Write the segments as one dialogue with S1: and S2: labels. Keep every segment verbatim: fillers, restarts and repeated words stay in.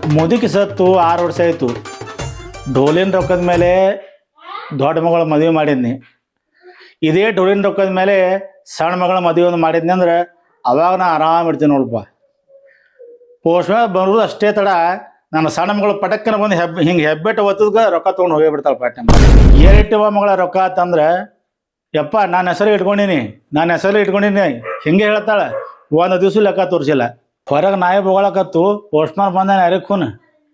S1: ಮುದುಕಿ ಸತ್ತು ಆರು ವರ್ಷ ಆಯಿತು. ಡೋಲಿನ ರೊಕ್ಕದ ಮೇಲೆ ದೊಡ್ಡ ಮಗಳ ಮದುವೆ ಮಾಡಿದ್ನಿ. ಇದೇ ಡೋಲಿನ ರೊಕ್ಕದ ಮೇಲೆ ಸಣ್ಣ ಮಗಳ ಮದುವೆ ಒಂದು ಮಾಡಿದ್ನಿ ಅಂದ್ರೆ ಅವಾಗ ನಾ ಆರಾಮ ಇರ್ತೀನಿ ನೋಡಪ್ಪ. ಪೋಸ್ಟ್ ಮ್ಯಾಗ ಬರೋದು ಅಷ್ಟೇ ತಡ ನನ್ನ ಸಣ್ಣ ಮಗಳು ಪಟಕ್ಕನ ಬಂದು ಹೆಬ್ಬ ಹಿಂಗೆ ಹೆಬ್ಬೆಟ್ಟು ಒತ್ತದ್ಗ ರೊಕ್ಕ ತೊಗೊಂಡು ಹೋಗೇ ಬಿಡ್ತಾಳೆ ಪಾಟ್ನೆ. ಏರಿಟ್ಟಿವ ಮಗಳ ರೊಕ್ಕ ಆತಂದ್ರೆ ಯಪ್ಪ ನಾನು ಹೆಸರು ಇಟ್ಕೊಂಡೀನಿ ನಾನು ಹೆಸರು ಇಟ್ಕೊಂಡೀನಿ ಹಿಂಗೆ ಹೇಳ್ತಾಳೆ. ಒಂದು ದಿವ್ಸ ಲೆಕ್ಕ ತೋರಿಸಿಲ್ಲ. ಹೊರಗೆ ನಾಯಿ ಬೋಗಳಕತ್ತು ಪೋಸ್ಟ್ ಮ್ಯಾನ್ ಬಂದಾನೆ ಯಾರಿಕ್ಕೂನು.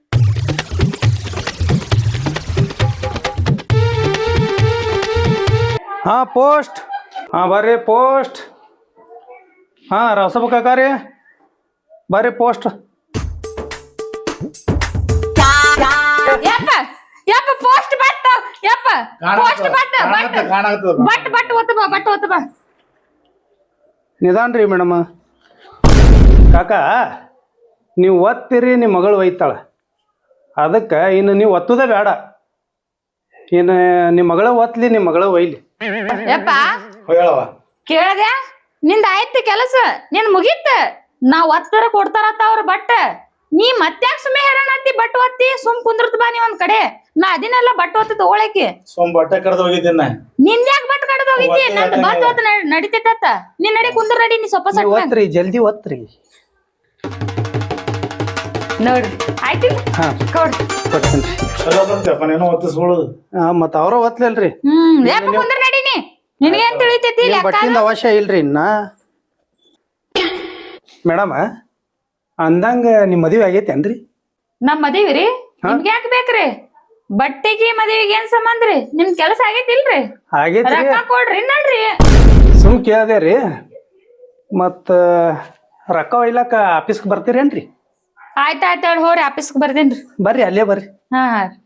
S2: ಹಾಂ ಪೋಸ್ಟ್. ಹಾಂ ಬರ್ರಿ ಪೋಸ್ಟ್. ಹಾಂ ರಸಬ ಕಾಕಾರಿ ಬರ್ರಿ ಪೋಸ್ಟ್.
S3: ಯಪ್ಪ ಯಪ್ಪ ಪೋಸ್ಟ್ ಬಟ್ ಯಪ್ಪ post but but but but ಒತ್ತ ಬಾ ಬಟ್ ಒತ್ತ ಬಾ.
S2: ನಿಧಾನ ರೀ ಮೇಡಮ್. ಕಾಕ ನೀವು ಒತ್ತಿರಿ ನಿಮ್ಮ ಮಗಳು ಒಯ್ತಾಳೆ. ಅದಕ್ಕೆ ಇನ್ನು ನೀವು ಒತ್ತುದೇ ಬೇಡ. ಇನ್ನು ನಿಮ್ಮ ಮಗಳ ಒತ್ತಲಿ ನಿಮ್ಮ ಮಗಳ ಒಯ್ಲಿ.
S3: ಯಪ್ಪ ಕೇಳದೆ ನಿಂದ ಆಯ್ತು ಕೆಲಸ ನಿನ್ ಮುಗೀತ. ನಾವ್ ಒತ್ತರ ಕೊಡ್ತಾರತ್ತ ಅವ್ರ ಬಟ್ ನೀ ಮತ್ತ್ಯಾಕ್ ಸುಮ್ಮನೆ ಹೇಳಣತ್ತಿ ಬಟ್ ಒತ್ತಿ ಸುಮ್ ಕುಂದ್ರತ್ ಬಾ ನೀ ಒಂದ್ ಕಡೆ. ನಾ ಅದಿನೆಲ್ಲ ಬಟ್ ಒತ್ತ ತಗೊಳಕಿ
S1: ಸೋಮ್ ಬಟ್ಟೆ ಕಡ್ದು ಹೋಗಿದ್ದೀನಿ.
S3: ನಿಂದ್ಯಾಕ್ ಬಟ್ ಕಡ್ದು ಹೋಗಿದ್ದಿ? ನಂದ್ ಬಟ್ ಒತ್ತ ನಡಿತೈತ. ನೀನ್ ನಡಿ ಕುಂದ್ರ ನಡಿ ನೀ ಸ್ವಲ್ಪ ಸಟ್
S2: ಒತ್ರಿ ಜಲ್ದಿ ಒತ್ರಿ.
S3: ನೋಡ್ರಿ ಆಯ್ತಿಲ್ಲ ಕೊಡ್ರಿ
S2: ಕೊಡ್ತೀನಿ.
S1: ಒತ್ತಿಸ್ಕೊಳ್ಳೋದು
S2: ಮತ್ತ ಅವ್ರ ಒತ್ಲಲ್ರಿ.
S3: ಹ್ಮ್ ಯಾಕ ಕುಂದ್ರ ನಡೀನಿ ನಿನಗೇನ್ ತಿಳಿತೈತಿ?
S2: ಬಟ್ಟಿಂದ ಅವಶ್ಯ ಇಲ್ರಿ ಇನ್ನ. ಮೇಡಮ್ ಅಂದಂಗ ನಿಮ್ ಮದ್ವಿ ಆಗೈತೇನ್ರಿ?
S3: ನಮ್ ಮದ್ವಿ ರೀ ನಿಮ್ಗೆ ಯಾಕೆ ಬೇಕ್ರಿ? ಬಟ್ಟೆಗೆ ಮದ್ವಿಗೆ ಏನ್ ಸಂಬಂಧ ರೀ? ನಿಮ್ ಕೆಲಸ ಆಗೈತಿಲ್ರಿ?
S2: ಆಗೈತ್ರಿ.
S3: ರೊಕ್ಕ ಕೊಡ್ರಿ ನೋಡ್ರಿ.
S2: ಸುಮ್ ಕೇಳ್ದೆ ರೀ. ಮತ್ತ ರೊಕ್ಕ ಒಯ್ಲಾಕ ಆಫೀಸ್ಗೆ ಬರ್ತೀರೇನ್ರಿ?
S3: ಆಯ್ತ ಆಯ್ತ ಹೇಳಿ ಹೋರಿ ಆಫೀಸ್ಗೆ ಬರ್ದೇನ್ರಿ.
S2: ಬರ್ರಿ ಅಲ್ಲೇ ಬರ್ರಿ.
S3: ಹಾ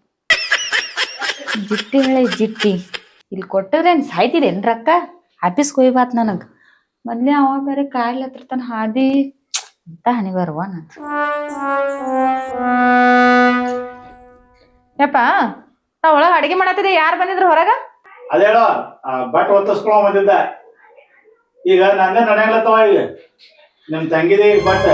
S3: ಜಿಟ್ಟಿ ಹೇಳಿ ಜಿಟ್ಟಿ ಇಲ್ಲಿ ಕೊಟ್ಟದ್ರೇನ್ ಸಾಯ್ತಿದೇನ್ ರೊಕ್ಕ? ಆಫೀಸ್ಗೆ ಹೋಯ್ಬಾತ್ ನನಗ್ ಮೊದ್ಲೇ ಅವ ಬೇರೆ ಕಾಯಿಲೆ ಹತ್ರ ತನ ಹಾದಿ ಅಂತ ಹನಿ ಬರುವ ನಂತ. ಯಪ್ಪ ನಾ ಒಳಗ ಅಡಿಗೆ ಮಾಡತ್ತಿದ್ದೆ. ಯಾರು ಬಂದಿದ್ರು ಹೊರಗ?
S1: ಅದೇ ಹೇಳೋ ಬಟ್ ಒತ್ತಿಸ್ಕೊಳ್ಳೋ ಬಂದಿದ್ದ. ಈಗ ನಂದೇ ನಡೆಯಲತ್ತವ. ಈಗ ನಿಮ್ ತಂಗಿದೇ ಈಗ ಬಟ್.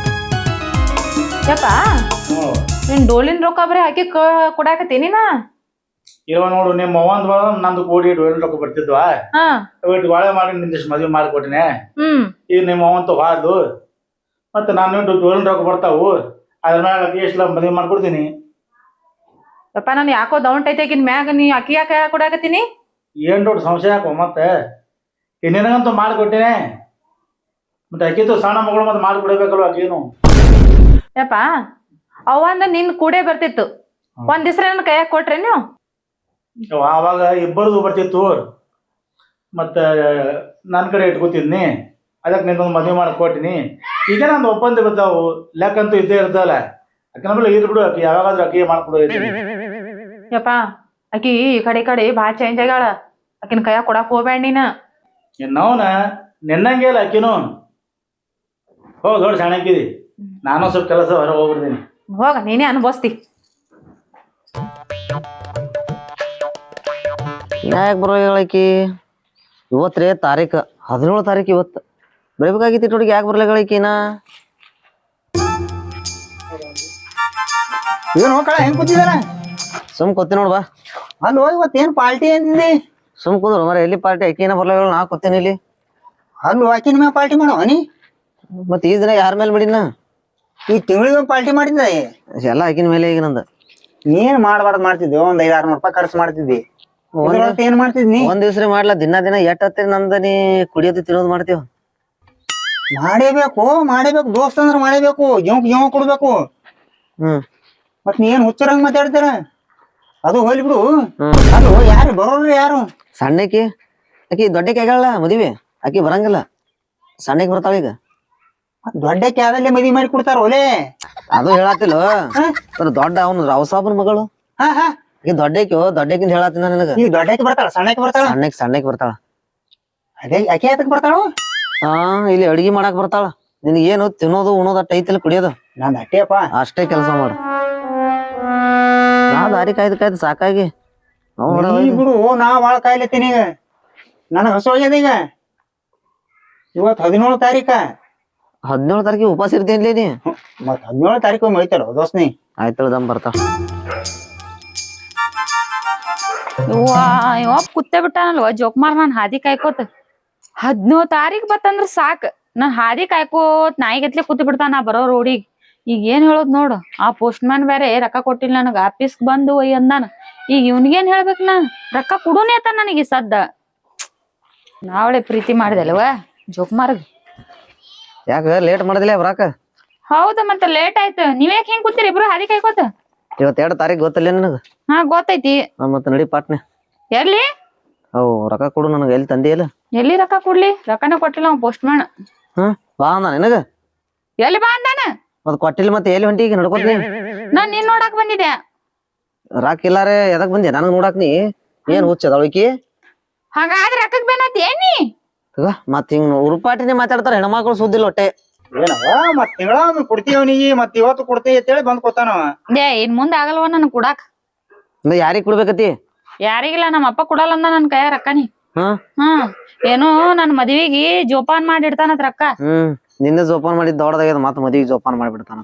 S3: ಯಪ್ಪ ನೀನ್ ಡೋಲಿನ ರೊಕ್ಕ ಬರೀ ಹಾಕಿ ಕೊಡಾಕತ್ತೀನಿ ನಾ.
S1: ಇವ ನೋಡು ನಿಮ್ಮ ಅವ್ವಂದ್ ಬಳ ನಂದು ಕೂಡಿ ಡೋಲಿನ ರೊಕ್ಕ ಬರ್ತಿದ್ವಾ. ಬಾಳೆ ಮಾಡಿ ನಿಂದಿಷ್ಟು ಮದ್ವೆ ಮಾಡಿಕೊಟ್ಟಿನಿ.
S3: ಹ್ಮ್
S1: ಈಗ ನಿಮ್ಮ ಅವಂತ ಹಾದು ಮತ್ತೆ ನಾನು ಡೋಲಿನ ರೊಕ್ಕ ಬರ್ತಾವು. ಅದ್ರ ಮ್ಯಾಗ ಎಷ್ಟು ಮದ್ವೆ ಮಾಡ್ಕೊಡ್ತೀನಿ.
S3: ಯಪ್ಪ ನಾನು ಯಾಕೋ ದೌಂಟ್ ಐತೆ ಆಕಿನ ಮ್ಯಾಗ. ನೀ ಅಕ್ಕಿ ಯಾಕೆ ಕೊಡಾಕತ್ತೀನಿ?
S1: ಏನ್ ದೊಡ್ಡ ಸಂಶಯ ಹಾಕೋ ಮತ್ತೆ. ಈಗ ನಿನಗಂತೂ ಮಾಡಿಕೊಟ್ಟಿನಿ. ಮತ್ತೆ ಅಕ್ಕಿತ್ತು ಸಣ್ಣ ಮಗಳು ಮತ್ತೆ ಮಾಡಿಕೊಡ್ಬೇಕಲ್ವ ಅಕ್ಕೇನು.
S3: ಯಪ್ಪ ಅವಂದ ನಿನ್ ಕೂಡೇ ಬರ್ತಿತ್ತು. ಒಂದ್ ದಿವ್ಸ ನನ್ ಕೈಯಾಗ ಕೊಟ್ರೆ ನೀವು?
S1: ಆವಾಗ ಇಬ್ಬರದು ಬರ್ತಿತ್ತು. ಮತ್ತ ನನ್ನ ಕಡೆ ಇಟ್ಕೊತಿದ್ನಿ. ಅದಕ್ಕೆ ನಿಂದೊಂದು ಮದುವೆ ಮಾಡಿ ಕೊಟ್ಟಿನಿ. ಈಗ ನಂದು ಒಪ್ಪಂದ ಬರ್ತಾವು. ಲೆಕ್ಕಂತೂ ಇದ್ದೇ ಇರ್ತಲ್ಲ. ಅಕ್ಕನ ಮೇಲೆ ಇದ್ ಬಿಡು. ಅಕ್ಕಿ ಯಾವಾಗಾದ್ರೂ ಅಕ್ಕಿ ಮಾಡ್ಕೊಡೋ.
S3: ಯಪ್ಪ ಅಕ್ಕಿ ಈ ಕಡೆ ಈ ಕಡೆ ಭಾಳ ಚೇಂಜ್ ಆಗ್ಯಾಳ. ಅಕ್ಕಿನ ಕೈಯಾಗ ಕೊಡಾಕ್ ಹೋಗ್ಬೇಡ ನೀನ.
S1: ಇನ್ನವನ ನಿನ್ನಂಗೆ ಇಲ್ಲ ಅಕ್ಕಿನು. ಹೋಗ್ ದೊಡ್ಡ ಸಣ್ಣಕ್ಕಿದಿ. ನಾನು ಸ್ವಲ್ಪ ಕೆಲಸ ಹೊರಗೆ ಹೋಗ್ಬಿಡ್ತೀನಿ.
S3: ಹೋಗ ನೀನೇ ಅನುಭವಿಸ್ತಿ.
S4: ಯಾಕೆ ಬರೋ ಹೇಳಕಿ? ಇವತ್ತು ರೀ ತಾರೀಕು ಹದಿನೇಳು ತಾರೀಕು. ಇವತ್ತು ಬರಬೇಕಾಗಿತ್ತು ನೋಡಿಗೆ ಯಾಕೆ ಬರಲ್ಲ ಹೇಳಕಿನ?
S5: ಏನು ಹೋಗಲ್ಲ ಹೆಂಗ್ ಕೂತಿದಾರ?
S4: ಸುಮ್ ಕೂತಿ ನೋಡ್ಬಾ.
S5: ಅಲ್ಲೋ ಇವತ್ತೇನ್ ಪಾರ್ಟಿ ಅಂತಿದ್ದಿ?
S4: ಸುಮ್ ಕೂದ್ರು ಮರ. ಎಲ್ಲಿ ಪಾರ್ಟಿ? ಅಕ್ಕಿನ ಬರಲ್ಲ ಹೇಳ. ನಾ ಕೂತೇನೆ ಇಲ್ಲಿ.
S5: ಅಲ್ಲೋ ಆಕಿನ ಮ್ಯಾಗ ಪಾರ್ಟಿ ಮಾಡೋ ನೀ?
S4: ಮತ್ತೆ ಈ ದಿನ ಯಾರ ಮೇಲೆ ಮಾಡಿನ?
S5: ಈ ತಿಂಗಳಿಗೆ ಪಾರ್ಟಿ ಮಾಡಿದ್ದ
S4: ಎಲ್ಲ ಆಕಿನ ಮೇಲೆ ಈಗ ನಂದು.
S5: ಏನ್ ಮಾಡ್ಬಾರ್ದು ಮಾಡ್ತಿದ್ವಿ. ಒಂದ್ ಐದ್ ಆರ್ನೂರು ರೂಪಾಯಿ ಖರ್ಚು ಮಾಡ್ತಿದ್ವಿ. ಏನ್ ಮಾಡ್ತಿದ್ನಿ?
S4: ಒಂದ್ ದಿವ್ಸ ಮಾಡ್ಲಾ. ದಿನ ದಿನ ಎಟ್ ಹತ್ತಿರ ನಂದ ನೀ ಕುಡಿಯೋದು ತಿನ್ನೋದು ಮಾಡ್ತೀವ.
S5: ಮಾಡೇಬೇಕು ಮಾಡೇಬೇಕು ದೋಸ್ತ ಅಂದ್ರ ಮಾಡೇಬೇಕು. ಜೀವಕ್ ಜೀವ ಕೊಡ್ಬೇಕು.
S4: ಹ್ಮ್
S5: ಮತ್ ನೀ ಏನ್ ಹುಚ್ಚರಂಗ್ ಮಾತಾಡ್ತಾರ? ಅದು ಹೋಲಿ ಬಿಡು. ಅದು ಯಾರು ಬರೋರು ಯಾರು?
S4: ಸಣ್ಣಕಿ ಆಕಿ ದೊಡ್ಡಕಿ ಆಗ್ಯಾಳ ಮದುವೆ. ಆಕಿ ಬರಂಗಿಲ್ಲ. ಸಣ್ಣಕಿ ಬರ್ತಾಳ ಈಗ.
S5: ದೊಡ್ಡಕ್ಕೆ ಯಾವ್ದಲ್ಲೇ ಮದ್ವಿ ಮಾಡಿ ಕೊಡ್ತಾರ ಒಲೆ.
S4: ಅದು ಹೇಳತ್ತಿಲ್ಲ. ದೊಡ್ಡ ಅವನು ರಾವ್ ಸಾಬನ್ ಮಗಳು.
S5: ಹಾ ಹಾ
S4: ಈಗ ದೊಡ್ಡಕಿ ದೊಡ್ಡಕಿಂದ ಹೇಳತ್ತಿನ ನನಗ.
S5: ಈಗ ದೊಡ್ಡಕ್ಕೆ ಬರ್ತಾಳ ಸಣ್ಣಕ್ಕೆ ಬರ್ತಾಳ?
S4: ಸಣ್ಣಕ್ ಸಣ್ಣಕ್ ಬರ್ತಾಳ.
S5: ಅದೇ ಯಾಕೆ ಯಾತಕ್ ಬರ್ತಾಳ?
S4: ಹಾ ಇಲ್ಲಿ ಅಡಿಗೆ ಮಾಡಾಕ್ ಬರ್ತಾಳ. ನಿನಗೆ ಏನು ತಿನ್ನೋದು ಉಣೋದು ಅಟ್ಟ ಐತಿಲ್ಲ ಕುಡಿಯೋದು?
S5: ನಾನ್ ಅಟ್ಟೆಪ್ಪ
S4: ಅಷ್ಟೇ ಕೆಲಸ ಮಾಡು. ನಾ ದಾರಿ ಕಾಯ್ದು ಕಾಯ್ದು ಸಾಕಾಗಿ
S5: ಬಿಡು. ನಾ ಬಾಳ ಕಾಯ್ಲತ್ತೀನಿ. ಈಗ ನನಗ್ ಹಸು ಆಗ್ಯದ. ಈಗ ಇವತ್ ಹದಿನೇಳು ತಾರೀಕ.
S4: ಹದಿನೇಳು ತಾರೀಕಿಗೆ ಉಪವಾಸ ಇರ್ತೇನ್ಲೇ ನೀ?
S5: ಮತ್ ಹದಿನೇಳು ತಾರೀಕು ಒಯ್ತಾರ ದೋಸ್ತ್ ನೀ.
S4: ಆಯ್ತು ದಮ್ ಬರ್ತಾವ.
S3: ಯವ್ವಾ ಇವ ಕುತ್ತೆ ಬಿಟ್ಟಾನಲ್ವ ಜೋಕ್ಮಾರ್ ನಾನ್ ಹಾದಿ ಕಾಯ್ಕೋತ ಹದಿನೇಳು ತಾರೀಕ್ ಬತ್ತಂದ್ರ ಸಾಕ್ ನಾನ್ ಹಾದಿ ಕಾಯ್ಕೋತ್ ನಾಯಿಗತ್ಲೆ ಕೂತ್ ಬಿಡ್ತಾನ ನಾ ಬರೋ ರೋಡಿಗ್. ಈಗ ಏನ್ ಹೇಳೋದ್ ನೋಡು ಆ ಪೋಸ್ಟ್ ಮ್ಯಾನ್ ಬೇರೆ ರೊಕ್ಕ ಕೊಟ್ಟಿಲ್ಲ ನನಗ ಆಫೀಸ್ ಬಂದು ಒಯ್ ಅಂದಾನ. ಈಗ ಇವ್ನಿಗೇನ್ ಹೇಳ್ಬೇಕ್ ನಾನ್ ರೊಕ್ಕ ಕೊಡುನೇ ಅತ್ತ ನನಗೆ ಸದ್ದ. ನಾವಳೆ ಪ್ರೀತಿ ಮಾಡಿದಲ್ವ ಜೋಕ್ಮಾರ್ಗ್.
S4: ಯಾಕ ಲೇಟ್ ಮಾಡಿದಿಲ್ಲ ಬರಾಕ?
S3: ಹೌದ ಮತ್ತ ಲೇಟ್ ಆಯ್ತು. ನೀವ್ಯಾಕ್ ಹೆಂಗ್ ಕೂತೀರಿ ಇಬ್ರು ಹಾದಿ ಕಾಯ್ಕೋತ?
S4: ಇವತ್ತು ಎರಡು ತಾರೀಕು ಗೊತ್ತಿಲ್ಲ ನಿನಗ?
S3: ಹಾ ಗೊತ್ತೈತಿ.
S4: ಮತ್ತೆ ನಡಿ ಪಾಟ್ನೆ.
S3: ಎಲ್ಲಿ?
S4: ಅವು ರೊಕ್ಕ ಕೊಡು ನನಗೆ. ಎಲ್ಲಿ ತಂದಿಯಲ್ಲ?
S3: ಎಲ್ಲಿ ರೊಕ್ಕ ಕೊಡ್ಲಿ? ರೊಕ್ಕನ ಕೊಟ್ಟಿಲ್ಲ ಅವ್ ಪೋಸ್ಟ್ ಮ್ಯಾನ್.
S4: ಹ್ಮ್ ಬಾ ಅಂದ ನಿನಗ?
S3: ಎಲ್ಲಿ ಬಾ ಅಂದಾನ?
S4: ಮತ್ ಕೊಟ್ಟಿಲ್ಲ ಮತ್ತೆ ಎಲ್ಲಿ ಹೊಂಟಿ ಈಗ ನಡ್ಕೋತ ನೀ?
S3: ನಾನ್ ನಿನ್ ನೋಡಾಕ್ ಬಂದಿದ್ದೆ.
S4: ರಾಕ್ ಇಲ್ಲಾರೆ ಎದಕ್ ಬಂದ್ಯಾ ನನಗ್ ನೋಡಾಕ್ ನೀ? ಏನ್ ಹುಚ್ಚದವಳಿಕಿ?
S3: ಹಾಗಾದ್ರೆ ರೊಕ್ಕಕ್ ಬೇನತ್ ಏನಿ?
S4: ಮತ್ ಹಿಂಗ್ ಉರುಪಾಟಿನೇ ಮಾತಾಡ್ತಾರ ಹೆಣ್ಮಕ್ಳು ಸುದ್ದಿಲ್ಲ ಹೊಟ್ಟೆ.
S5: ಏನವ ಮತ್ ತಿಂಗಳ ಕೊಡ್ತೀವಿ ಅವನಿಗೆ ಮತ್ ಇವತ್ತು ಕೊಡ್ತೀವಿ ಅಂತೇಳಿ ಬಂದ್ ಕೊಡ್ತಾನವ.
S3: ಏ ಇನ್ ಮುಂದೆ ಆಗಲ್ವ ನನ್ ಕುಡಾಕ್.
S4: ಯಾರಿಗ್ ಕೊಡ್ಬೇಕತಿ?
S3: ಯಾರಿಗಿಲ್ಲ ನಮ್ಮ ಅಪ್ಪ ಕೊಡಲ್ಲ ಅಂದ ನನ್ ಕೈಯ ರೊಕ್ಕನಿ.
S4: ಹ್ಮ್
S3: ಹ್ಮ್ ಏನೋ ನನ್ ಮದ್ವಿಗಿ ಜೋಪಾನ್ ಮಾಡಿಡ್ತಾನತ್ ರೊಕ್ಕ.
S4: ಹ್ಮ್ ನಿನ್ನೆ ಜೋಪಾನ್ ಮಾಡಿದ್ ದೊಡ್ಡದಾಗ್ಯದ ಮತ್ ಮದ್ವಿಗೆ ಜೋಪಾನ್ ಮಾಡ್ಬಿಡ್ತಾನ.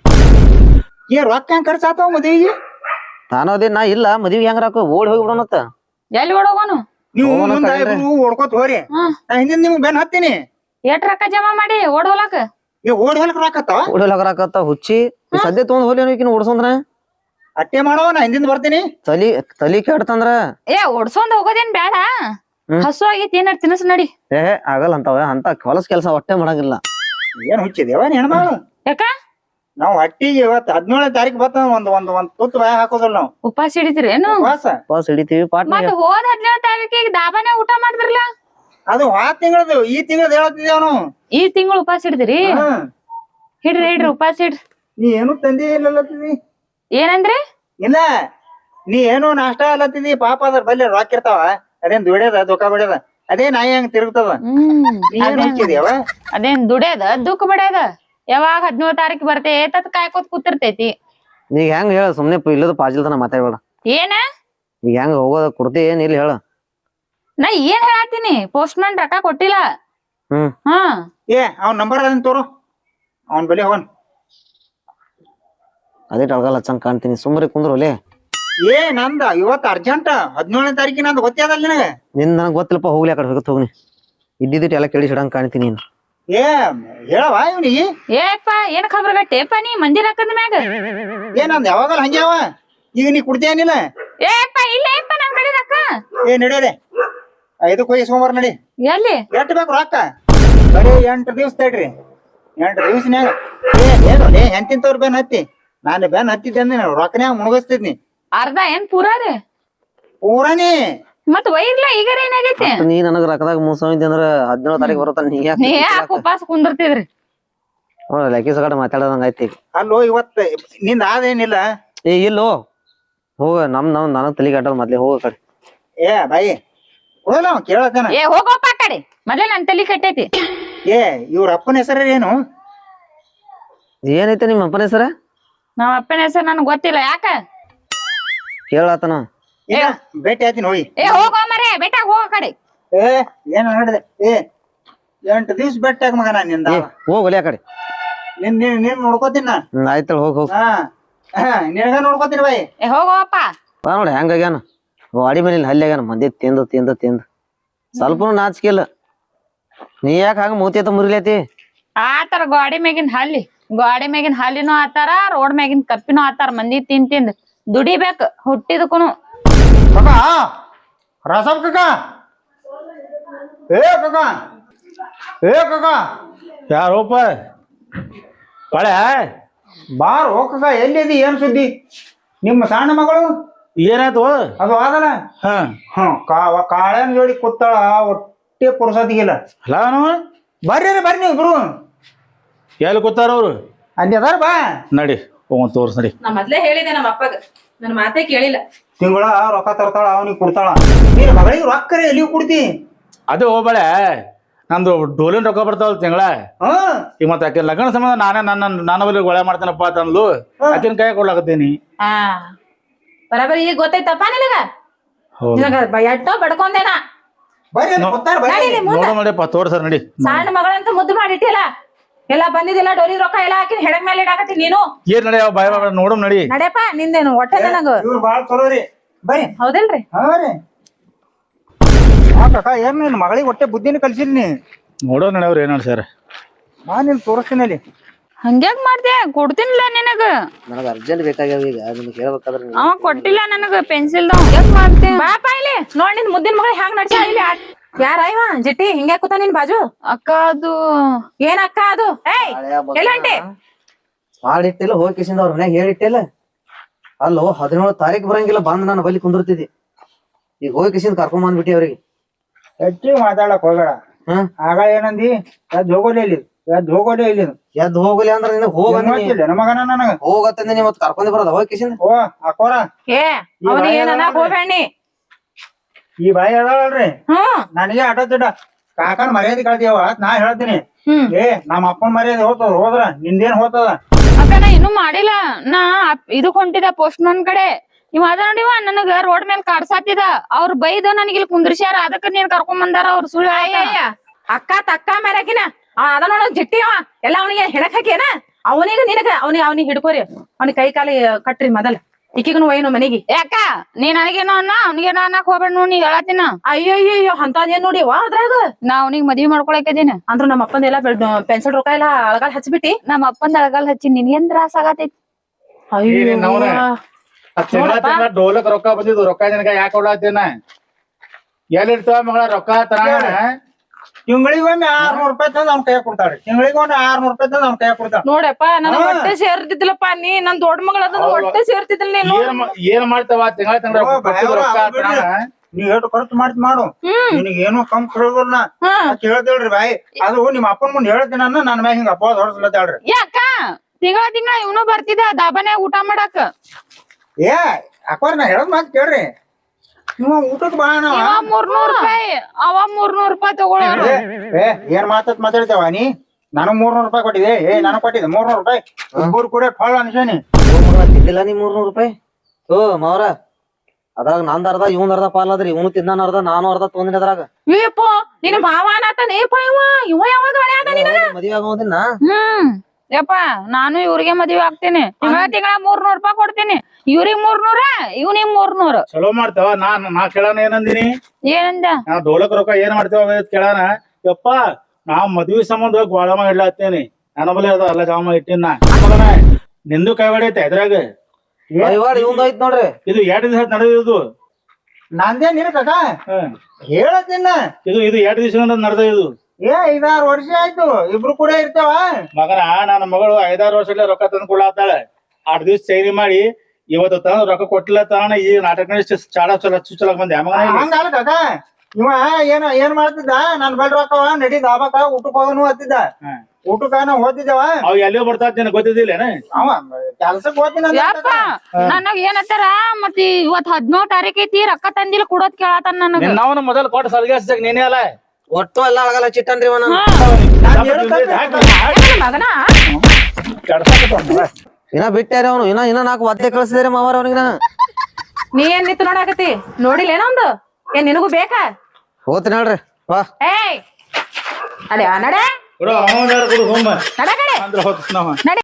S5: ಏ ರೊಕ್ಕ ಹೆಂಗ್ ಖರ್ಚಾತಾವ ಮದ್ವಿಗೆ?
S4: ತಾನೋದೇ ನಾ ಇಲ್ಲ ಮದ್ವಿಗೆ ಹೆಂಗ್ ರಾಕ ಓಡಿ ಹೋಗಿ ಬಿಡೋಣತ್ತ.
S3: ಎಲ್ಲಿ ಓಡೋಗೋನು?
S5: ನೀವು
S4: ಹೋಗೋಣ
S5: ಮುಂದ
S4: ತಗಳ್ರಿ.
S5: ಇಬ್ರು ಓಡ್ಕೋತ ಹೋರಿ.
S3: ಹ್ಮ್
S5: ನಾ ಹಿಂದಿನ ನಿಮ್ಗ್ ಬೆನ್ ಹತ್ತೀನಿ.
S3: ಎಷ್ಟ್ ರೊಕ್ಕ ಜಮಾ ಮಾಡಿ ಓಡ್ ಹೋಲಾಕ?
S5: ಏ ಓಡಿ ಹೊಲಕ್ ರೊಕ್ಕ ಹತ್ತಾವ?
S4: ಓಡಿ ಹೋಗರಾಕತ್ತ ಹುಚ್ಚಿ. ಈ ಸದ್ಯ ತೊಗೊಂಡ್ ಹೋಲಿ ಓಡ್ಸಂದ್ರ
S5: ಅಟ್ಟೆ ಮಾಡವ ನಾ ಹಿಂದಿಂದ ಬರ್ತೀನಿ.
S4: ತಲಿ ತಲಿ ಕೆಡ್ತಂದ್ರ
S3: ಏ ಓಡ್ಸೊಂದ್ ಹೋಗೋದೇನ್ ಬೇಡ.
S4: ಹ್ಮ್.
S3: ಹಸು ಆಗೈತಿ ಏನಾರ ತಿನಸ್ ನಡಿ.
S4: ಏ ಆಗಲ್ಲ ಅಂತವ ಅಂತ ಹೊಲಸ್ ಕೆಲ್ಸ ಒಟ್ಟೆ ಮಾಡಂಗಿಲ್ಲ.
S5: ಏನ್ ಹುಚ್ಚಿದೇವ ಹೆಣ್ಮಗಳು?
S3: ಯಾಕ?
S5: ನಾವ್ ಹಟ್ಟಿಗೆ ಇವತ್ತು ಹದಿನೇಳನೇ ತಾರೀಕು ಬತ್ತ ಒಂದ್ ಒಂದ್ ಒಂದ್ ತುತ್ತು ಬಾಯ ಹಾಕೋದಿಲ್ಲ ನಾವು.
S3: ಉಪವಾಸ ಹಿಡಿತೀರೇನು?
S5: ಉಪವಾಸ.
S4: ಪಾಸ್ ಹಿಡಿತೀವಿ ಪಾಟ್ನ.
S3: ಮತ್ ಹೋದ್ ಹದಿನೇಳು ತಾರೀಕಿಗೆ ದಾಬಾನೆ ಊಟ ಮಾಡಿದ್ರಲ್ಲ?
S5: ಅದು ಆ ತಿಂಗಳದು ಈ ತಿಂಗಳದ ಹೇಳತ್ತಿದ್ದೇವ್ ನಾವು.
S3: ಈ ತಿಂಗಳು ಉಪವಾಸ ಹಿಡಿದಿರಿ?
S5: ಹ್ಮ್.
S3: ಹಿಡ್ರಿ ಹಿಡ್ರಿ ಉಪವಾಸ ಹಿಡ್ರಿ.
S5: ನೀ ಏನು ತಂದಿ ಇಲ್ಲತ್ತಿದಿ?
S3: ಏನಂದ್ರಿ?
S5: ಇಲ್ಲ ನೀ ಏನು ನಾಷ್ಟ ಅಲ್ಲತ್ತಿದಿ. ಪಾಪ ಅದ್ರ ಬಲ್ಲಿ ರೊಕ್ಕ ಇರ್ತಾವ. ಅದೇನ್ ದುಡ್ಯದ ದೊಕ್ಕ ಬಡ್ಯದ ಅದೇ ನಾಯಿ ಹಂಗ ತಿರುಗ್ತದ.
S3: ಹ್ಮ್
S5: ನೀ ಏನ್ ಹುಚ್ಚಿದ್ಯಾವ?
S3: ಅದೇನ್ ದುಡ್ಯದ ದುಃಖ ಬಡ್ಯದ. ಯಾವಾಗ ಹದಿನೇಳು ತಾರೀಕು ಬರ್ತೆ ತತ್ ಕಾಯ್ಕೋತ್ ಕೂತಿರ್ತೈತಿ.
S4: ಈಗ ಹೆಂಗ್ ಹೇಳ ಸುಮ್ನೆ ಇಲ್ಲದ ಪಾಜಿಲ್ತನ ಮಾತಾಡ್ಬೇಡ.
S3: ಏನ?
S4: ಈಗ ಹೆಂಗ್ ಹೋಗೋದ ಕೊಡ್ತಿ ಏನ್ ಇಲ್ಲಿ ಹೇಳ.
S3: ನಾ ಏನ್ ಹೇಳತ್ತೀನಿ ಪೋಸ್ಟ್ ಮ್ಯಾನ್ ರೊಕ್ಕ ಕೊಟ್ಟಿಲ್ಲ.
S4: ಹ್ಮ್
S3: ಹಾ
S5: ಏ ಅವ್ನ ನಂಬರ್ ಅದನ್ ತೋರು. ಅವನ್ ಬಲಿ ಹೋಗನ್.
S4: ಅದೇ ಟಳ್ಗಲ್ಲ ಚಂದ ಕಾಣ್ತೀನಿ ಸುಮ್ರಿ ಕುಂದ್ರು ಒಲೆ.
S5: ಏ ನಂದ ಇವತ್ತು ಅರ್ಜೆಂಟ್ ಹದಿನೇಳನೇ ತಾರೀಕಿನ ನಂದು ಗೊತ್ತೇದಲ್ಲ ನಿನಗ.
S4: ನಿನ್ ನನಗ್ ಗೊತ್ತಿಲ್ಲಪ್ಪ ಹೋಗ್ಲಿ ಆ ಕಡೆ ಹೋಗತ್ ಹೋಗ್ನಿ. ಇದ್ದಿದ್ದಿಟ್ಟು ಎಲ್ಲ ಕೇಳಿ ಹಿಡಂಗ್ ಕಾಣ್ತೀನಿ ನೀನು.
S5: ಏ ಹೇಳವ ಇವನಿಗೆ.
S3: ಏಪ್ಪ ಏನ್ ಖಬರ್ ಗಟ್ಟೆಪ್ಪ ನೀ ಮಂದಿ ರೊಕ್ಕದ ಮ್ಯಾಗ.
S5: ಏ ನಂದ್ ಯಾವಾಗಲ್ಲ ಹಂಗೆ ಅವ. ಈಗ ನೀ ಕುಡ್ತೇನಿಲ್ಲ?
S3: ಏಪ್ಪ ಇಲ್ಲ ಏಪ್ಪ ನಮ್ ಕಡೆ ರೊಕ್ಕ.
S5: ಏ ನಡಿಯದೆ ಐದಕ್ಕೆ ಹೋಗಿ ಸೋಮವಾರ ನಡಿ.
S3: ಎಲ್ಲಿ?
S5: ಎಷ್ಟ್ ಬೇಕು ರೊಕ್ಕ? ಬರೀ ಎಂಟು ದಿವ್ಸ ತಡ್ರಿ. ಎಂಟು ದಿವ್ಸನ್ಯಾಗ ಏ ಏನು ಏ ಎಂತಿಂತವ್ರ ಬೆನ್ ಹತ್ತಿ. ನಾನು ಬೆನ್ ಹತ್ತಿದ್ದೆ ಅಂದ್ರೆ ರೊಕ್ಕನ್ಯಾಗ ಮುಣಗಿಸ್ತಿದ್ನಿ.
S3: ಅರ್ಧ ಏನ್ ಪೂರಾ ರೀ?
S5: ಪೂರಾನಿ.
S3: ಮತ್ ವೈರ್ಲ ಈಗಾರ ಏನಾಗೈತಿ?
S4: ನೀ ನನಗ್ ರೊಕ್ಕದಾಗ ಮೂಸವಿದ್ದೆ ಅಂದ್ರ ಹದಿನೇಳು ತಾರೀಕು ಬರುತ್ತ ನೀ ಯಾಕೆ
S3: ನೀ ಯಾಕೆ ಉಪವಾಸ ಕುಂದಿರ್ತಿದ್ರಿ?
S4: ಲೆಕ್ಕಿ ಸಗಟ ಮಾತಾಡೋದಂಗ ಐತಿ.
S5: ಅಲ್ಲೋ ಇವತ್ತ ನಿಂದ ಆದೇನಿಲ್ಲ.
S4: ಏ ಇಲ್ಲೋ ಹೋಗ ನಮ್ ನಮ್ ನನಗ್ ತಲೆ ಕಟ್ಟದ ಮೊದ್ಲೇ ಹೋಗ ಕಡೆ.
S5: ಏ ಬಾಯಿ ಕೊಡಲ್ಲ ಅವ ಕೇಳತ್ತೇನ.
S3: ಏ ಹೋಗೋಪ್ಪ ಆ ಕಡೆ ಮೊದ್ಲೇ ನನ್ ತಲಿ ಕಟ್ಟೈತಿ.
S5: ಏ ಇವ್ರ ಅಪ್ಪನ ಹೆಸರು ಏನು?
S4: ಏನೈತೆ ನಿಮ್ಮ ಅಪ್ಪನ ಹೆಸರ?
S3: ನಮ್ಮ ಅಪ್ಪನ ಹೆಸರು ನನ್ಗೆ ಗೊತ್ತಿಲ್ಲ. ಯಾಕ?
S4: ಕೇಳಾತನ.
S5: ಈಗ ಭೇಟಿ ಆಯ್ತೀನಿ ಹೋಗಿ.
S3: ಏ ಹೋಗೋ ಮರೆ ಬೆಟ್ಟಾಗ ಹೋಗೋ ಕಡೆ.
S5: ಏ ಏನ್ ನೋಡಿದೆ? ಏ ಎಂಟು ದಿವ್ಸ ಬೆಟ್ಟಾಗ ಮಗ ನಾನು ನಿಂದ.
S4: ಹೋಗ್ ಒಲೆ ಆ ಕಡೆ.
S5: ನಿನ್ ನಿನ್ ನೀನ್ ನೋಡ್ಕೋತೀನಿ ನಾ.
S4: ಹ್ಮ್ ಆಯ್ತಳ ಹೋಗ್ ಹೋಗ್.
S5: ಹಾ ಹಾ ನಿನಗ ನೋಡ್ಕೋತೀನಿ ಬಾಯಿ.
S3: ಏ ಹೋಗೋಪ್ಪ.
S4: ಬಾ ನೋಡಿ ಹೆಂಗಾಗ್ಯಾನ ವಾಡಿ ಮೇಲೆ ಹಲ್ಲಿ ಆಗ್ಯಾನ ಮಂದಿ ತಿಂದು ತಿಂದು ತಿಂದು ಸ್ವಲ್ಪನು ನಾಚಿಕಿಲ್ಲ. ನೀ ಯಾಕೆ ಹಂಗ ಮೂತಿ ಮುರಿಲೈತಿ?
S3: ಆತರ ಗಾಡಿ ಮ್ಯಾಗಿನ ಹಲ್ಲಿ ಗಾಡಿ ಮ್ಯಾಗಿನ ಹಲ್ಲಿನೂ ಆತಾರ ರೋಡ್ ಮ್ಯಾಗಿನ ಕಪ್ಪಿನೂ ಆತಾರ. ಮಂದಿ ತಿಂದ್ ತಿಂದ್ ದುಡಿಬೇಕ ಹುಟ್ಟಿದಕ್ಕೂನು.
S5: ಕಕ್ಕ ರಾಸವ್ ಕಕ್ಕ. ಏ ಕಕ್ಕ ಏ ಕಕ್ಕ.
S1: ಯಾರೋಪ ಕಳೆ
S5: ಬಾರ್ ಹೋಗಕ್ಕ. ಎಲ್ಲಿದಿ? ಏನ್ ಸುದ್ದಿ? ನಿಮ್ಮ ಸಣ್ಣ ಮಗಳು
S1: ಏನಾಯ್ತು?
S5: ಅದು ಆದಲ್ಲ.
S1: ಹಾ
S5: ಹ್ಮ್ ಕಾವ ಕಾಳನ್ ಜೋಡಿ ಕೂತಾಳ. ಒಟ್ಟೆ ಪುರುಸತಿಗಿಲ್ಲ.
S1: ಹಲೋ
S5: ಬರ್ರಿ ಬರ್ರಿ ನೀವು ಇಬ್ರು.
S1: ಎಲ್ಲಿ ಕೂತಾರ ಅವ್ರು?
S5: ಅಲ್ಲಿ ಅದಾರ ಬಾ.
S1: ನಡಿ ಹೋಗ್ ತೋರ್ಸ್ ನಡಿ.
S6: ನಾ ಮೊದ್ಲೇ ಹೇಳಿದೆ ನಮ್ಮ ಅಪ್ಪಗ ನನ್ನ ಮಾತೇ ಕೇಳಿಲ್ಲ.
S5: ತಿಂಗಳ ರೊಕ್ಕ ತರ್ತಾಳ ಅವನಿಗೆ ಕೊಡ್ತಾಳ. ನೀನ್ ಮಗಳಿಗೆ ರೊಕ್ಕ ಎಲ್ಲಿ ಕೊಡ್ತಿ?
S1: ಅದೇ ಹೋಗ್ಬೇಳೆ ನಂದು ಡೋಲಿನ ರೊಕ್ಕ ಬರ್ತಾವಲ್ಲ ತಿಂಗಳ.
S5: ಹ್ಮ್
S1: ಈಗ ಮತ್ತೆ ಆಕೆ ಲಗ್ನ ಸಂಬಂಧ ನಾನೇ ನನ್ನ ನನ್ನ ಬಲ್ಲಿ ಗೊಳೆ ಮಾಡ್ತೇನಪ್ಪ ಅಂತಂದ್ಲು. ಆಕಿನ ಕೈ ಕೊಡ್ಲಾಕತ್ತೀನಿ.
S6: ಹಾ ಬರಾಬರಿ ಈಗ ಗೊತ್ತೈತಪ್ಪ ನಿನಗ. ನಿನಗ ಎಟ್ಟೋ ಬಡ್ಕೊಂಡೇನ.
S5: ಬರ್ರಿ ಅದು ಗೊತ್ತಾರ ಬರ್ರಿ.
S6: ನಡೀಲಿ ಮುಂದ.
S1: ನೋಡು ನಡಿಯಪ್ಪ ತೋರ್ಸರ್ ನಡಿ.
S6: ಸಣ್ಣ ಮಗಳಂತ ಮುದ್ದು ಮಾಡಿಟ್ಟಿಲ್ಲ. ಎಲ್ಲ ಬಂದಿದ್ದಿಲ್ಲ ಡೋಲಿ ರೊಕ್ಕ ಎಲ್ಲ ಹಾಕಿ ಹೆಡಕ್ ಮೇಲೆ ಇಡಾಕತ್ತಿ ನೀನು
S1: ಏನ್ ನಡಿ ಯಾವ ಬಾಯ್ ಬಾಯ್ ನೋಡಮ್ ನಡಿ.
S6: ನಡೆಯಪ್ಪ ನಿಂದೇನು ಹೊಟ್ಟೆ ನನಗ
S5: ಇವ್ರು ಬಾಳ ಚಲೋ ರೀ ಬರ್ರಿ.
S6: ಹೌದಿಲ್ರಿ
S5: ಹಾ ರೀ ಆ ಕಾಕ ಏನ್ ನಿನ್ ಮಗಳಿಗೆ ಹೊಟ್ಟೆ ಬುದ್ಧಿನ ಕಲ್ಸಿಲ್ ನೀ.
S1: ನೋಡೋ ನಡೆಯವ್ರ ಏನ್ ಸರ್.
S5: ನಾ ನಿನ್ ತೋರಿಸ್ತೀನಿ ಅಲ್ಲಿ.
S3: ಹಂಗ್ಯಾಕ್ ಮಾಡ್ದೆ ಕೊಡ್ತೀನಿಲ್ಲ ನಿನಗ.
S4: ನನಗ ಅರ್ಜೆಂಟ್ ಬೇಕಾಗ್ಯಾವ ಈಗ ನಿಮ್ಗೆ ಹೇಳ್ಬೇಕಾದ್ರೆ ನೀವು-
S3: ಅವ ಕೊಟ್ಟಿಲ್ಲ ನನಗ ಪೆನ್ಸಿಲ್ ಹಂಗ್ಯಾಕ್ ಮಾಡ್ತೆ.
S6: ಬಾಪ ಇಲ್ಲಿ ನೋಡ್ ನಿನ್ ಮುದ್ದಿನ ಮಗಳ ಹ್ಯಾಂಗ್ ನಡ್ಸ ಇಲ್ಲಿ ಯಾರ ಇವ ಜಿಟ್ಟಿ ಹಿಂಗ್ಯಾ ಕೂತ ನಿನ್ ಬಾಜು
S3: ಅಕ್ಕ ಅದು
S6: ಏನ್ ಅಕ್ಕ ಅದು ಏಯ್ ಎಲ್ಲ ಹೊಂಟಿ
S4: ಮಾಡಿಟ್ಟಿಲ್ಲ ಹೋಗಿ ಕಿಸಿಂದ ಅವ್ರ ಮನ್ಯಾಗ ಹೇಳಿಟ್ಟಿಲ್ಲ. ಅಲ್ಲೋ ಹದಿನೇಳು ತಾರೀಕು ಬರಂಗಿಲ್ಲ ಬಂದ್ ನಾನು ಬಲ್ಲಿ ಕುಂದಿರ್ತಿದ್ದಿ. ಈಗ ಹೋಗಿ ಕಿಸಿಂದ ಕರ್ಕೊಂಡ್ ಬಂದ್ಬಿಟ್ಟಿ ಅವ್ರಿಗೆ.
S5: ಹೆಚ್ಚಿಗೆ ಮಾತಾಡಕ್ ಹೋಗಬೇಡ.
S4: ಹ್ಮ್
S5: ಆಗ ಏನಂದಿ ಎದ್ ಹೋಗೋದೇ ಇಲ್ಲಿ ಎದ್ ಹೋಗೋದೇ ಇಲ್ಲಿ
S4: ಎದ್ ಹೋಗಲಿ ಅಂದ್ರ ನಿನಗ್ ಹೋಗಂದ
S5: ಮಗನ ನನಗ
S4: ಹೋಗತ್ತಂದ ನೀ ಮತ್ ಕರ್ಕೊಂಡ್ ಬರೋದ ಹೋಗಿ ಕಿಸಿಂದ.
S5: ಓ ಅಕೋರ
S6: ಏ ಅವನಿಗೆ ಏನ್ ಅನ್ನಕ್ ಹೋಗ್ಬೇಡಿ.
S5: ಈ ಬಾಯಿ ಅದಾವಲ್ರಿ
S6: ಹ್ಮ್
S5: ನನಗೆ ಆಟೋ ತಿಡ್ಡ ಕಾಕನ ಮರ್ಯಾದೆ ಕಳ್ತೀವ ನಾ ಹೇಳ್ತೀನಿ.
S6: ಹ್ಮ್
S5: ಏ ನಮ್ಮ ಅಪ್ಪನ ಮರ್ಯಾದೆ ಹೋಗ್ತದ ಹೋದ್ರ ನಿಂದೇನ್ ಹೋಗ್ತದ.
S3: ಅಕ್ಕ ನಾ ಇನ್ನೂ ಮಾಡಿಲ್ಲ. ನಾ ಅಪ್- ಇದಕ್ ಹೊಂಟಿದ ಪೋಸ್ಟ್ ಮನ್ ಕಡೆ. ನೀವ್ ಅದ ನೋಡಿವ ನನಗ ರೋಡ್ ಮೇಲೆ ಕಾಡ್ಸಾತಿದ. ಅವ್ರ ಬೈದ ನನಗೆ ಇಲ್ಲಿ ಕುಂದ್ರಿಸ್ಯಾರ. ಅದಕ್ಕ ನೀನ್ ಕರ್ಕೊಂಡ್ ಬಂದಾರ ಅವ್ರ ಸುಳ್ಳು ಹೇಳಾಕ.
S6: ಅಯ್ಯ ಅಕ್ಕ ತಕ್ಕ ಮೇರಕಿನ ಅದ ನೋಡ ಜಿಟ್ಟಿ ಅವ ಎಲ್ಲ ಅವನಿಗೆ ಹೆಣಕ್ ಹಾಕ್ಯಾನ. ಅವನಿಗೆ ನಿನಗ ಅವನಿಗೆ ಅವನಿಗೆ ಹಿಡ್ಕೋರಿ ಅವನಿಗೆ ಕೈ ಕಾಲಿ ಕಟ್ರಿ ಮೊದಲ ಇಕ್ಕಿಗನು ಒಯ್ನು ಮನೆಗೆ.
S3: ಯಾಕ ನೀ ನನಗೇನೋ ಅನ್ನ ಅವ್ನಿಗೇನೋ ಅನ್ನಕ್ ಹೋಗ್ಬೇಡ ನೋಡಿ ನೀ ಹೇಳತ್ತಿನ.
S6: ಅಯ್ಯೋ ಅಯ್ಯೋ ಅಂತದೇನ್ ನೋಡಿ ವಾ ಅದ್ರಾಗ
S3: ನಾ ಅವ್ನಿಗೆ ಮದ್ವಿ ಮಾಡ್ಕೊಳಕಿದೀನಿ.
S6: ಅಂದ್ರ ನಮ್ಮ ಅಪ್ಪಂದೆಲ್ಲ ಪೆನ್ಸಿಲ್ ರೊಕ್ಕ ಎಲ್ಲ ಅಳಗಾಲ್ ಹಚ್ಬಿಟ್ಟಿ.
S3: ನಮ್ಮ ಅಪ್ಪಂದ ಅಳಗಾಲ್ ಹಚ್ಚಿ ನಿನ್ಗೇನ್ ತ್ರಾಸ ಆಗತೈತಿ.
S6: ಅಯ್ಯೋ
S1: ತಿಂಗಳ ತಿಂಗಳ ಡೋಲಕ್ ರೊಕ್ಕ ಬಂದಿದ್ದು ರೊಕ್ಕ ನಿನಗ ಯಾಕೆ ಕೊಡ್ಲಾತೇನ ಎಲ್ಲಿರ್ತಾವ ಮಗಳ ರೊಕ್ಕ ತರ
S5: ತಿಂಗಳಿಗೊಮ್ಮೆ ಆರ್ನೂರ್ ರೂಪಾಯಿ ತಂದ್ ಅವ್ನ ಕೈ ಕೊಡ್ತಾಳೆ. ತಿಂಗಳಿಗೊಮ್ಮೆ ಆರ್ನೂರ್ ರೂಪಾಯಿ ತಂದ್ ಅವ್ನ ಕೈ ಕೊಡ್ತಾಳ.
S6: ನೋಡಪ್ಪ ನನ್ನ ಹೊಟ್ಟೆ ಸೇರ್ತಿದ್ಲಪ್ಪ ನೀ ನನ್ ದೊಡ್ಡ ಮಗಳ ಹೊಟ್ಟೆ ಸೇರ್ತಿದ್ಲ ನೀನು.
S1: ಏನ್ ಏನ್ ಮಾಡ್ತಾವ ತಿಂಗಳ ತಿಂಗಳ ರೊಕ್ಕ ತರಾನ
S5: ನೀವ್ ಎಷ್ಟು ಖರ್ಚು ಮಾಡ್ತಿ ಮಾಡು ನಿನಗ್ ಏನು ಕಮ್ ಕೇಳೋದಿಲ್ಲ ಅಂತ ಹೇಳ್ತೇಳ್ರಿ ಬಾಯಿ. ಅದು ನಿಮ್ಮ ಅಪ್ಪನ ಮುಂದೆ ಹೇಳ್ತೀನಿ ನಾನು ನನ್ನ ಮ್ಯಾಗ ಹಿಂಗ ಅಪ್ಪ ಹೊರಸ್ಲತ್ತೇಳ್ರಿ.
S3: ಯಾಕ ತಿಂಗಳ ತಿಂಗಳ ಇವನು ಬರ್ತಿದ ದಾಬಾನ್ಯಾಗ ಊಟ ಮಾಡಾಕ.
S5: ಏ ಅಕ್ಕೋರ್ ನಾ ಹೇಳದ್ ಮಾತು ಕೇಳ್ರಿ. ನೀವು ಊಟಕ್ ಬಾ ನಾವ
S3: ಇವ ಮೂರ್ನೂರ್ ರೂಪಾಯಿ ಅವ ಮೂರ್ನೂರ್ ರೂಪಾಯಿ ತಗೊಳ್ಳೋರು.
S5: ಏ ಏನ್ ಮಾತಾತ್ ಮಾತಾಡ್ತೇವ ನೀ. ನಾನು ಮೂರ್ನೂರ್ ರೂಪಾಯಿ ಕೊಟ್ಟಿದೆ. ಏ ನಾನು ಕೊಟ್ಟಿದ್ದೆ ಮೂರ್ನೂರ್ ರೂಪಾಯಿ ಇಬ್ಬರು ಕೂಡ ಫಾಳ ಅನ್ಸೇನಿ.
S4: ತಿಂದಿಲ್ಲ ನೀ ಮೂರ್ನೂರ್ ರೂಪಾಯಿ. ಓ ಮಾವ್ರ ಅದ್ರಾಗ ನಂದ್ ಅರ್ಧ ಇವ್ನ ಅರ್ಧ ಪಾಲ್ ಅದ್ರಿ. ಇವನು ತಿನ್ನಾನ ಅರ್ಧ ನಾನು ಅರ್ಧ ತೊಂದಿನ ಅದ್ರಾಗ.
S6: ಏಪ್ಪ ನಿನ್ನ ಭಾವ ಅನ್ನತಾನೇಪ ಇವ ಇವ ಯಾವಾಗ ಹೊಡ್ಯಾದ ನಿನಗ?
S4: ಮದ್ವೆ ಆಗೋದಿನ
S3: ಹ್ಮ್ ಯಪ್ಪ ನಾನು ಇವ್ರಿಗೆ ಮದ್ವೆ ಆಗ್ತೀನಿ. ತಿಂಗಳ ತಿಂಗಳ ಮೂರ್ನೂರ್ ರೂಪಾಯಿ ಕೊಡ್ತೀನಿ. ಇವ್ರಿಗ್ ಮೂರ್ನೂರ ಇವ್ನಿಗ್ ಮೂರ್ನೂರ್.
S1: ಚಲೋ ಮಾಡ್ತಾವ. ನಾ ನಾ ಕೇಳಾನ ಏನಂದಿನಿ
S3: ಏನಂದ
S1: ನಾ ಡೋಲಕ್ ರೊಕ್ಕ ಏನ್ ಮಾಡ್ತೇವ ಕೇಳಾನ. ಯಪ್ಪ ನಾ ಮದ್ವಿ ಸಂಬಂಧ ಗೋಳಮ ಇಡ್ಲಾತ್ತೇನಿ. ನನ್ನ ಬಲ್ಲಿ ಅದ ಎಲ್ಲ ಜಾಮ ಇಟ್ಟಿನ ಮಗನ ನಿಂದು ಕೈ ಹೊಡೈತೆ ಇದ್ರಾಗ.
S4: ಇವಂದ ಐತ್ ನೋಡ್ರಿ.
S1: ಇದು ಎರಡ್ ದಿವಸ ನಡೆದಿದ್ದು.
S5: ನಂದೇನ್ ಇರ ಕಾಕ
S1: ಹ್ಮ್
S5: ಹೇಳತ್ತಿನ
S1: ಇದು ಇದು ಎರಡ್ ದಿವಸ ನಡೆದ ಇದು.
S5: ಏ ಐದಾರು ವರ್ಷ ಆಯ್ತು ಇಬ್ರು ಕೂಡ ಇರ್ತೇವ.
S1: ಮಗನ ನನ್ನ ಮಗಳು ಐದಾರು ವರ್ಷ ರೊಕ್ಕ ತಂದು ಕೊಡ್ಲಾತಾಳೆ. ಆರ್ ದಿವ್ಸ ಚೈನಿ ಮಾಡಿ ಇವತ್ತು ತಂದು ರೊಕ್ಕ ಕೊಟ್ಟಿಲ್ಲ ತಾನ ಈ ನಾಟಕ ಚಾಡ ಚಲ ಚುಚ್ಚಲಕ್ ಬಂದೆ ಮಗನ.
S5: ಹಂಗಲ್ಲ ಕಾಕ ಇವ ಏನ ಏನ್ ಮಾಡ್ತಿದ್ದ ನನ್ ಬಲ್ ರೊಕ್ಕವ ನಡಿ ದಾಬಾಕ ಊಟಕ್ ಹೋಗನು ಹತ್ತಿದ್ದ. ಊಟಕ್ಕ ನಾವ್ ಹೋತಿದ್ದೇವ.
S1: ಅವ್ ಎಲ್ಲಿಯೋ ಬರ್ತಾತ್ ನಿನಗ್ ಗೊತ್ತಿದ್ದಿಲ್ಲೇನ?
S5: ಅವ ಕೆಲ್ಸಕ್ ಹೋಗ್ತೀನಿ
S3: ಯಪ್ಪ ನನಗ್ ಏನತ್ತಾರ ಮತ್ ಇವತ್ ಹದಿನೇಳು ತಾರೀಕ್ ಐತಿ ರೊಕ್ಕ ತಂದಿಲ್ಲ ಕೊಡೋದ್ ಕೇಳತಾನ ನನಗ.
S1: ನಾವು ಮೊದಲು ಕೊಟ್ಟು ಸಲ್ಗಾಸ್ದಾಗ ನೀನೇ ಅಲ್ಲ
S4: ಒಟ್ಟು ಎಲ್ಲ ಅಳಗಲ್ಲ ಚಿಟ್ಟನ್ರಿ ಇವನ.
S6: ಮಗನ
S4: ಇನ್ನ ಬಿಟ್ಟಾರ ಅವನು. ಇನ್ನ ಇನ್ನ ನಾಲ್ಕು ಒತ್ತೆ ಕಳಿಸಿದಾರೆ ಮಾವಾರ ಅವನಿಗೆ.
S6: ನೀ ಏನ್ ನಿಂತು ನೋಡಾಕತಿ ನೋಡಿಲ್ಲ ಏನೊಂದು ಏನ್ ನಿನಗೂ ಬೇಕಾ?
S4: ಹೋಗ್ತೀನಿ ಹೇಳ್ರಿ ವಾ.
S6: ಏಯ್ ಅಡೆ ನಡೆ
S1: ಕೊಡು ಅವನ ಕೊಡು ಹೋಮ
S6: ನಡೆ ಕಡೆ
S1: ಅಂದ್ರೆ ಹೋಗ್ತ ನಾವ
S6: ನಡೆ.